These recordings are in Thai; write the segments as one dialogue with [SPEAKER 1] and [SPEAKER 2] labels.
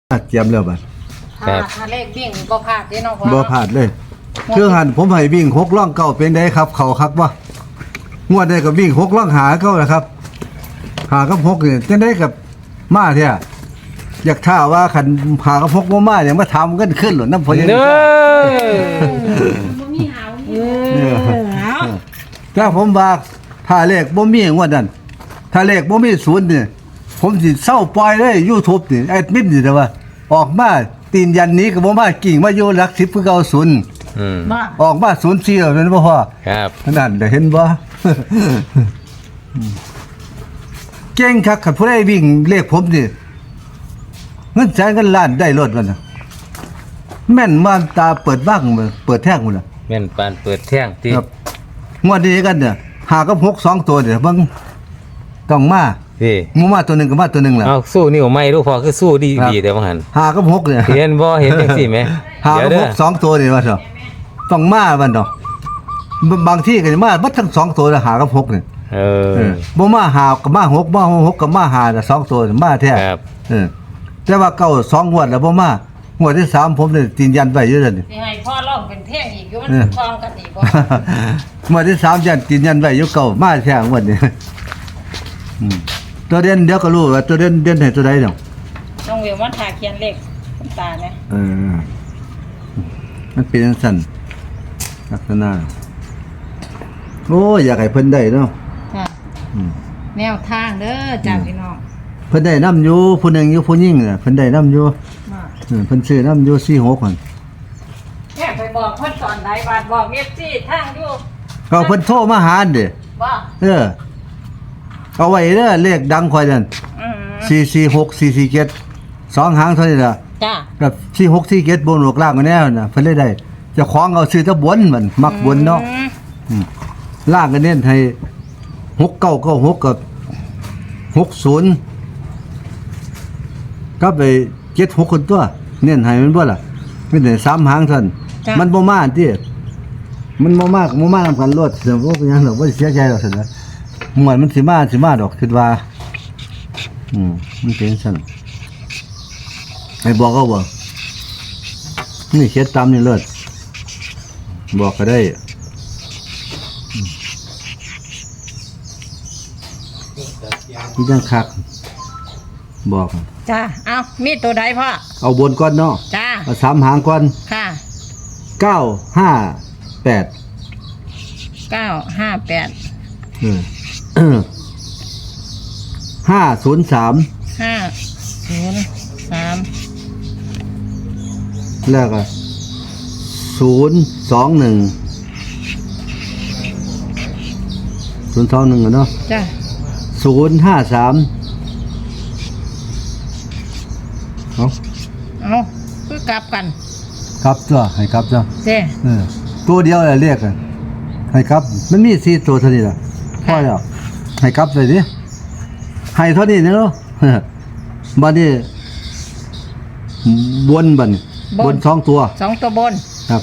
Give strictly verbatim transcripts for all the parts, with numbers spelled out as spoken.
[SPEAKER 1] เจียมแล้วบัด
[SPEAKER 2] ครั
[SPEAKER 3] ถ้า
[SPEAKER 2] บ
[SPEAKER 3] ถ้าเลขวิ่งบ่พลาดเด้เนาะพ่อ
[SPEAKER 1] บ่พลาดเลยเครื่องหันผมให้วิ่งหกล่องเก้าเป็นไดครับ เขาคักบ่งวดได้ก็วิ่งหกล่องหาเก้าแหละครับ หากับหกนี่จังได๋กับมาแท้อยากท่าว่าคันหากับหกบ่มาเนี่ยมาทำกันขึ้นหรอนำพ่อใหญ่
[SPEAKER 2] เด้อ
[SPEAKER 3] บ่มีหาว
[SPEAKER 1] เออถ้าผมว่าถ้าเลขบ่มีงวดนั้นถ้าเลขบ่มีศูนย์นี่ผมสิเศร้าปล่อยเลย YouTube นี่แอดมินนี่แต่ว่า ออกมาตีนยันนี้ก็บ่มากิ่งมาอยู่หลักสิบคือเก่าศูนย์
[SPEAKER 2] อืม
[SPEAKER 3] บ่
[SPEAKER 1] ออกมาศูนย์สี่แล้วนั่นบ่พอ
[SPEAKER 2] ครับ
[SPEAKER 1] นั่นได้เห็นบ่ เก่งคักคันผู้ใดวิ่งเลขผมนี่เงินแสนเงินล้านได้รถมันน่ะแม่นมาตาเปิดบ้างเปิดแท่งหมดน่ะ
[SPEAKER 2] แม่นปานเปิดแท่งที่
[SPEAKER 1] ครับงวดนี้กันเนี่ยหากับหกสองตัวเนี่ยเบิ่งต้องมา
[SPEAKER 2] ที่
[SPEAKER 1] หมูมาตัวหนึงกับมาตัวหนึงล่ะ
[SPEAKER 2] เอาสู้นิ้วไม่รู้พอคือสู้ดี
[SPEAKER 1] ครับ
[SPEAKER 2] ดีแต่ว่าหัน
[SPEAKER 1] หากับหกเนี่ย
[SPEAKER 2] เห็นบ่เห็นจังซี่ไหม
[SPEAKER 1] หา
[SPEAKER 2] เดี๋ย
[SPEAKER 1] กั
[SPEAKER 2] ว
[SPEAKER 1] บ
[SPEAKER 2] เด้
[SPEAKER 1] ห
[SPEAKER 2] อก
[SPEAKER 1] สองตัวนี่ว่าเถอะต้องมาบัดเนาะบางที่ก็จะมาบัดทั้งสองตัวแล้วหากับหกนี่
[SPEAKER 2] เอ
[SPEAKER 1] เอ
[SPEAKER 2] อ
[SPEAKER 1] อบ่มาหากับมาหกมาหกกับมาหาน่ะสองตัวมาแท้
[SPEAKER 2] ครับ
[SPEAKER 1] เออแต่ว่าเก้าสองงวดแล้วบ่มางวดที่สามผมนี่ตีนยันไว้อยู่นั่นนี่
[SPEAKER 3] สิให้พ่อร้องเป็นเพลงอีกอยู่มัน
[SPEAKER 1] เออ
[SPEAKER 3] คล้องกันอีกบ่
[SPEAKER 1] งวดที่สามยันตีนยันไว้อยู่เก้ามาแท้งวดนี้อืมตัวเด่นเดี๋ยวก็รู้ว่าตัวเด่นเด่นให้ตัวใดเนาะ
[SPEAKER 3] น้องเวลมันถ่าเขียนเลขคุณตาเนี่ย
[SPEAKER 1] เออมันเป็นจังซั่นลักษณะโอ้ยอยากให้เพิ่นได้เนาะ
[SPEAKER 3] ค่ะ
[SPEAKER 1] อืม
[SPEAKER 3] แนวทางเด้อจ้าพี่น้อง
[SPEAKER 1] เพิ่นได้นํอยู่ผู้หนึงอยู่ผู้หญิงน่ะเพิ่นได้นํอยู่
[SPEAKER 3] มา
[SPEAKER 1] เออเพิ่นซื้อนํอยู่สี่หกคน
[SPEAKER 3] แม่ไปบอกเพิ่นตอนใดบาดบอก เอฟ ซี ทางอยู่
[SPEAKER 1] ก็เพิ่นโทรมาหาเด้
[SPEAKER 3] บ่
[SPEAKER 1] เออเอาไว้เด้อเลขดังค่อยนั่น
[SPEAKER 3] อืม
[SPEAKER 1] สี่สี่หก สี่สี่เจ็ดสองหางเท่านี้ล่ะ
[SPEAKER 3] จ้า
[SPEAKER 1] กับสี่หก สี่เจ็ดบนหลกล่างกันแน่น่ะเพิ่นเลยได้เจ้าของเอาซื้อแตะบนมันมักบนเนาะ
[SPEAKER 3] อืม
[SPEAKER 1] อืมล่างก็เน้นให้หกเก้าเก้าหกกับหกศูนย์ก็ไปเจ็ดหกคนตัว เน้นให้มันบ่ล่ะเป็นได้สามหางเท่านั้น
[SPEAKER 3] จ้ะ
[SPEAKER 1] มันบ่มาติมันบ่มากบ่มานำกันรถเสียบ่เป็นหยังดอกบ่ได้เสียใจดอกซั่นนะมวนมันสิมาสิมาดอกคิดว่า อืมมันเป็นซั่นให้บอกเขาบ่นี่เขียนตามนี่เลิศบอกก็ได้อืมนี่จังคักบอก
[SPEAKER 3] จ้าเอามีตัวใดพ่อ
[SPEAKER 1] เอาบนก่อนเนาะ
[SPEAKER 3] จ้า
[SPEAKER 1] เอาสามหางก่อน
[SPEAKER 3] ค่ะ
[SPEAKER 1] เก้าห้าแปด
[SPEAKER 3] เก้าห้าแปด
[SPEAKER 1] เออ ห้าศูนย์สาม
[SPEAKER 3] ห้าศูนย์สาม
[SPEAKER 1] แล้วก็ศูนย์สองหนึ่งศูนย์สองหนึ่งเนาะ
[SPEAKER 3] จ้า
[SPEAKER 1] ศูนย์ห้าสามเอา
[SPEAKER 3] เอาคือกลับกัน
[SPEAKER 1] ครับจ้ะให้ครับจ้ะ
[SPEAKER 3] เจ้
[SPEAKER 1] เออตัวเดียวแหละเรียกกันให้ครับ มันมีสี่ตัวเท่านี้ล่ะพอแล้วให้ครับเลยดิให้เท่านี้เนาะ บัดนี้บนบัดนี้บนสองตัว
[SPEAKER 3] สองตัวบน
[SPEAKER 1] ครับ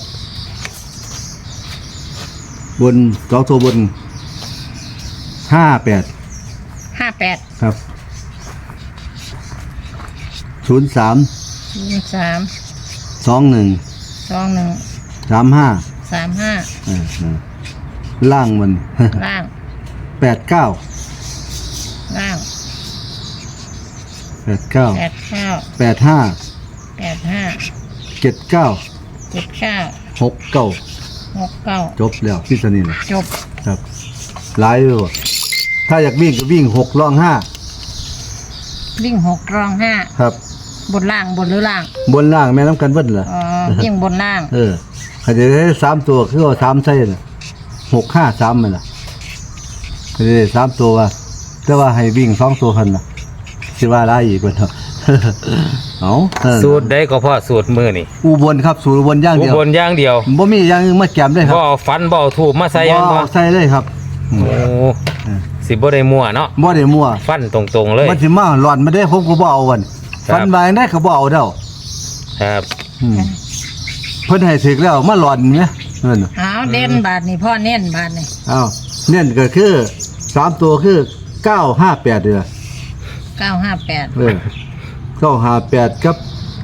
[SPEAKER 1] บนสองตัวบนห้าแปด
[SPEAKER 3] ห้าแปด
[SPEAKER 1] ครับศูนย์สาม
[SPEAKER 3] ศูนย์สาม
[SPEAKER 1] สองหนึ่ง
[SPEAKER 3] สองหนึ่ง
[SPEAKER 1] สามห้า
[SPEAKER 3] สามห้า
[SPEAKER 1] ล่างมัน
[SPEAKER 3] ล่าง
[SPEAKER 1] แปดเก้า
[SPEAKER 3] ล่าง
[SPEAKER 1] แปดเก้า
[SPEAKER 3] แปดเก้า
[SPEAKER 1] แปดห้า
[SPEAKER 3] แปดห้า
[SPEAKER 1] เจ็ดเก้า
[SPEAKER 3] เจ็ดเก้า
[SPEAKER 1] หกเก้า
[SPEAKER 3] หกเก้า
[SPEAKER 1] จบแล้วที่สนิท
[SPEAKER 3] จบ
[SPEAKER 1] ครับหลายเลยว่ะถ้าอยากวิ่งก็วิ่งหกล่องห้า
[SPEAKER 3] วิ่งหกรองห้า
[SPEAKER 1] ครับ
[SPEAKER 3] บนล่างบนหรือล่าง
[SPEAKER 1] บนล่างแม่น้ำกันเบิ้ลล่ะ
[SPEAKER 3] อ๋อวิ่งบนล่าง
[SPEAKER 1] เออเขาจะได้สามตัวคือเอาสามไส้น่ะหกห้าสามมันล่ะเขาจะได้สามตัวว่าแต่ว่าให้วิ่งสองตัวพันล่ะคิดว่าได้อีกคนเถอะ เอาเออ
[SPEAKER 2] สูตรใดก็พอสูตรมือนี่
[SPEAKER 1] อุบลครับสูตรอุบลอย่าง
[SPEAKER 2] อุ
[SPEAKER 1] เดียว
[SPEAKER 2] บลอย่างเดียว
[SPEAKER 1] บ่มีอย่างอื่นมาแกมได้ครับ
[SPEAKER 2] บ่เอาฟันบ่เอาถูกมาใส่
[SPEAKER 1] บ่
[SPEAKER 2] มันบ่
[SPEAKER 1] เอาใส่เลยครับอืม
[SPEAKER 2] โอ้สิบ่ได้มั่วเนาะ
[SPEAKER 1] บ่ได้มั่ว
[SPEAKER 2] ฟันตรงๆเลย
[SPEAKER 1] มันสิมาหลอนมาได้ผมก็บ่เอาวัน
[SPEAKER 2] ครับ
[SPEAKER 1] ฟันมาได้ก็บ่เอาเด้อ
[SPEAKER 2] ครับ
[SPEAKER 1] อืมเพิ่นให้ถึกแล้วมาหลอนแหมนั่นน่ะ
[SPEAKER 3] เอาเด่นบาทนี่พ่อเน้นบาทนี่
[SPEAKER 1] อ้าวเน้นก็คือสามตัวคือเก้าห้าแปดเด้อ
[SPEAKER 3] เก้าห้าแปด
[SPEAKER 1] เออเก้าห้าแปดกับ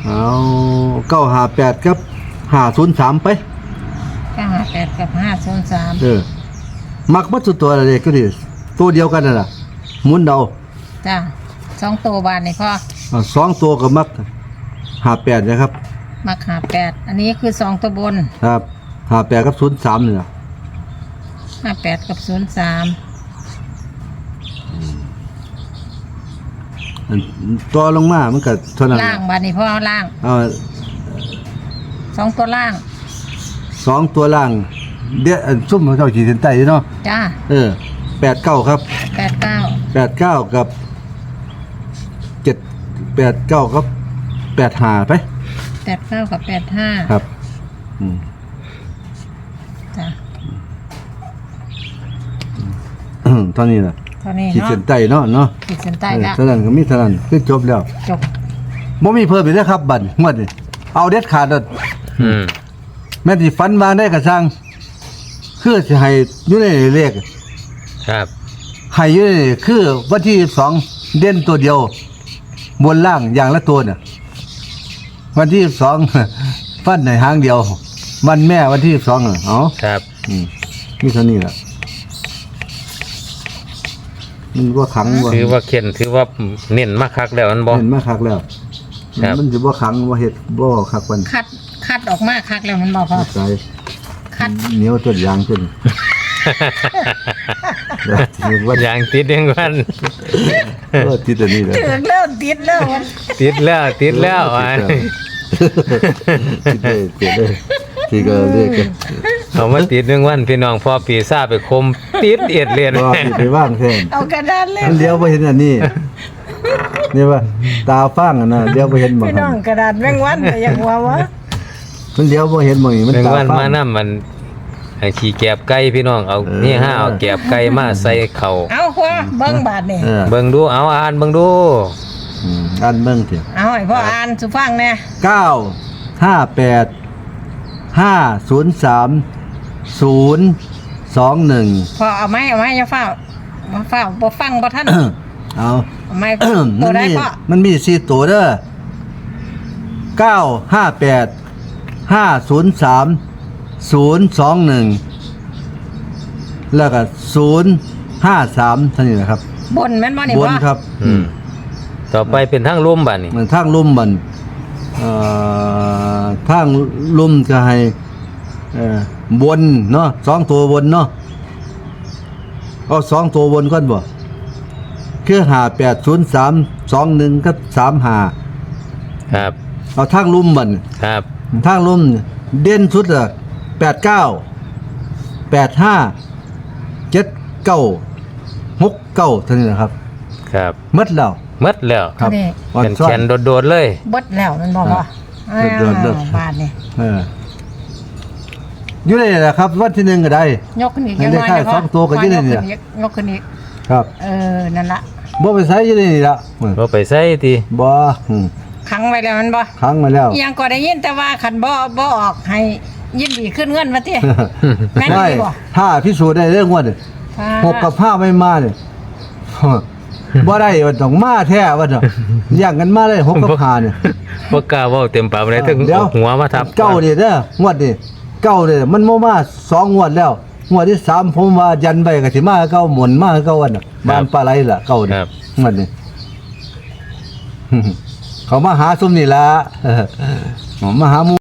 [SPEAKER 1] เอาเก้าห้าแปดครับห้าศูนย์สามไป
[SPEAKER 3] เก้าห้าแปดกับห้าศูนย์สาม
[SPEAKER 1] เออมักมัดสุดตัวอะไรก็ดีตัวเดียวกันน่ะล่ะหมุนเดา
[SPEAKER 3] จ้าสองตัวบาทนี่พ่อ
[SPEAKER 1] อ่าสองตัวก็มักห้าแปดนะครับ
[SPEAKER 3] มักหาแปดอันนี้คือสองตัวบน
[SPEAKER 1] ครับห้าแปดกับศูนย์สามนี่ล่ะ
[SPEAKER 3] ห้าแปดกับศูนย์สาม
[SPEAKER 1] อันตัวลงมามันก็เท่านั้น
[SPEAKER 3] ล่าง
[SPEAKER 1] ล่ะ
[SPEAKER 3] บาทนี่พ่อล่าง
[SPEAKER 1] เอา
[SPEAKER 3] สองตัวล่าง
[SPEAKER 1] สองตัวล่างเดี๋ยวอันซุ่มของเจ้าขีดเส้นใต้อยู่เนาะ
[SPEAKER 3] จ้า
[SPEAKER 1] เออแปดเก้าครับ
[SPEAKER 3] แปดเก้า
[SPEAKER 1] แปดเก้ากับเจ็ดแปดเก้าครับแปดห้าไป
[SPEAKER 3] แปดเก้ากับแปดห้า
[SPEAKER 1] ครับอืม
[SPEAKER 3] จ้า
[SPEAKER 1] ตอนนี้ล่ะ
[SPEAKER 3] เท่านี้
[SPEAKER 1] ขีด
[SPEAKER 3] เนาะ
[SPEAKER 1] เส้นใต้เนาะเนาะ
[SPEAKER 3] ขีดเส้นใต้
[SPEAKER 1] เออ
[SPEAKER 3] แล้ว
[SPEAKER 1] เท่านั้นก็มีเท่านั้นคือจบแล้ว
[SPEAKER 3] จบ
[SPEAKER 1] บ่มีเพิ่มอีกแล้วครับบัดงวดนี้เอาเด็ดขาดเด้อ
[SPEAKER 2] อืม
[SPEAKER 1] แม่นสิฝันมาได้ก็ช่างคือสิให้อยู่ในเลข
[SPEAKER 2] ครับ
[SPEAKER 1] ให้อยู่ในคือวันที่สองเด่นตัวเดียว บนล่างอย่างละตัวน่ะวันที่สอง ฟันในหางเดียว วันแม่วันที่สองอ่ะเอ๋อ
[SPEAKER 2] ครับ
[SPEAKER 1] อืมมีเท่านี้แหละมันว่าขังว่า
[SPEAKER 2] ถือว่าเข็นถือว่าเน้นมากคักแล้วมันบ่
[SPEAKER 1] เห็นมาคักแล้ว
[SPEAKER 2] ครับ
[SPEAKER 1] มันจะว่าขังว่าเห็ดว่าคักวัน
[SPEAKER 3] คัดคัดออกมาคักแล้วมันบอกพ่อ
[SPEAKER 1] ใจ
[SPEAKER 3] คัด
[SPEAKER 1] เหนียวต้นยางขึ้นเดี๋ยวถือว่า
[SPEAKER 2] อย่างติดยังวัน
[SPEAKER 1] เออติดอันนี้เลย
[SPEAKER 3] ถึงแล้วติดแล้วมัน
[SPEAKER 2] ติดแล้วติดแล้วอ่ะ
[SPEAKER 1] ติดเลยติดเลยที่ก็เรียกกัน
[SPEAKER 2] เอามาติดยังวันพี่น้องพอปีซ่าไปคมติดเอ็ดเรียน
[SPEAKER 1] ว่าติดไปว่างแทน
[SPEAKER 3] เอากระดานเล่น
[SPEAKER 1] มันเลี้ยวไปเห็นอันนี้นี่ว่าตาฟ้างอ่ะนะเลี้ยวไปเห็นหมอง
[SPEAKER 3] พี่น้องกระดานแมงวันแต่ยังว่าวะ
[SPEAKER 1] มันเลี้ยวไปเห็นหมองนี่มัน
[SPEAKER 2] หนึ่ง
[SPEAKER 1] ตา
[SPEAKER 2] วัน
[SPEAKER 1] ฟ้าง
[SPEAKER 2] มานํมันให้ขี่แกบไก่พี่น้องเอา
[SPEAKER 1] เออ
[SPEAKER 2] นี่ห้าเอาแกบไก่มาใส่เข่า
[SPEAKER 3] เอาพ่อเบิ้งบาทนี่
[SPEAKER 1] เออ
[SPEAKER 2] เบิ่งดูเอาอ่านเบิ่งดู
[SPEAKER 1] อืมอันเบิ่งเถอะ
[SPEAKER 3] เอาให้พ่ออ่านสุฟังแน่
[SPEAKER 1] เก้าห้าแปดห้าศูนย์สามศูนย์สองหนึ่ง
[SPEAKER 3] พ่อเอาไหมเอาไหมอย่าเฝ้ามาเฝ้าบ่ฟังบ่ทัน
[SPEAKER 1] เอา
[SPEAKER 3] เอาไหม
[SPEAKER 1] มั
[SPEAKER 3] ตัวน ได้
[SPEAKER 1] มี
[SPEAKER 3] พ่อ
[SPEAKER 1] มันมีสี่ตัวเด้อเก้าห้าแปดห้าศูนย์สามศูนย์สองหนึ่งแล้วก็ศูนย์ห้าสามเท่านี้นะครับ
[SPEAKER 3] บนแม่นบ่นี่
[SPEAKER 1] บ
[SPEAKER 3] พ่
[SPEAKER 1] น
[SPEAKER 3] อ
[SPEAKER 1] ครับ
[SPEAKER 2] อืมต่อไปเป็นทางลุ่มบัดนี่
[SPEAKER 1] มันทางลุ่มมันเอ่อทางลุ่มจะให้เอ่อบนเนาะสองตัวบนเนาะเอาสองตัวบนก่อนบ่คือห้าแปดศูนย์สามสองหนึ่งกับสามห้า
[SPEAKER 2] ครับ
[SPEAKER 1] เอาทางลุ่มมัน
[SPEAKER 2] ครับ
[SPEAKER 1] ทางลุ่มเด่นสุดอะแปดเก้าแปดห้าเจ็ดเก้าหกเก้าเท่านี้นะครับ
[SPEAKER 2] ครับ
[SPEAKER 1] หมดแล้ว
[SPEAKER 2] หมดแล้ว
[SPEAKER 1] ครับ
[SPEAKER 3] นี่
[SPEAKER 1] อ่อน
[SPEAKER 2] เป็น
[SPEAKER 1] ซ้อ
[SPEAKER 2] แข
[SPEAKER 1] น
[SPEAKER 2] นโดดๆเลย
[SPEAKER 3] เบิดแล้วมันบอกว่า
[SPEAKER 1] ครับเบิดเบิด
[SPEAKER 3] บาทนี่
[SPEAKER 1] เอออยู่ในนี่แหละครับ วันที่หนึ่งก็ได้
[SPEAKER 3] ยกขึ้นอีก
[SPEAKER 1] ให้
[SPEAKER 3] ยัง
[SPEAKER 1] ได้
[SPEAKER 3] น้อย
[SPEAKER 1] ค่า
[SPEAKER 3] นะพ่
[SPEAKER 1] สองตัวก็
[SPEAKER 3] พ่
[SPEAKER 1] ยืดได้นี่
[SPEAKER 3] ยก
[SPEAKER 1] ล่ะ
[SPEAKER 3] ขึ้นอีกยกขึ้นอีก
[SPEAKER 1] ครับ
[SPEAKER 3] เออนั่นละ
[SPEAKER 1] บ่ไปใช้อยู่ในนี่ละ
[SPEAKER 2] บ่ไปใส่ติ
[SPEAKER 1] บ่อืม
[SPEAKER 3] ขังไว้แล้วมันบ่
[SPEAKER 1] ค้างมาแล้ว
[SPEAKER 3] อิหยังก็ได้ยินแต่ว่าคันบ่บ่ออกให้ยินดีขึ้นเงินมาติแม่น
[SPEAKER 1] ไม่
[SPEAKER 3] ดีบ่
[SPEAKER 1] ถ้าพิสูจน์ได้เรื่องว่าเนี่ยหกกับห้าไม่มาเนี่ย บ่ได้ว่าต้องมาแท้ว่าเนาะย่างกันมาเลยหกกับห้าเนี่ย
[SPEAKER 2] บ่กล้าเว้าเต็มปากเลยถึง
[SPEAKER 1] เดี๋ยว
[SPEAKER 2] เอาหัวมาทับ
[SPEAKER 1] เก้าเนี่ยเด้องวดนี่เก้าเนี่ยมันบ่มาสองงวดแล้วงวดที่สามผมว่ายันไปก็สิมาเก้าหมุนมาเก้าวันน่ะบ้านปลาไหลล่ะเก้าเนี่
[SPEAKER 2] ค
[SPEAKER 1] ย
[SPEAKER 2] รับ
[SPEAKER 1] งวดนี้ เขามาหาซุมนี่ล่ะ เขามาหาหมู่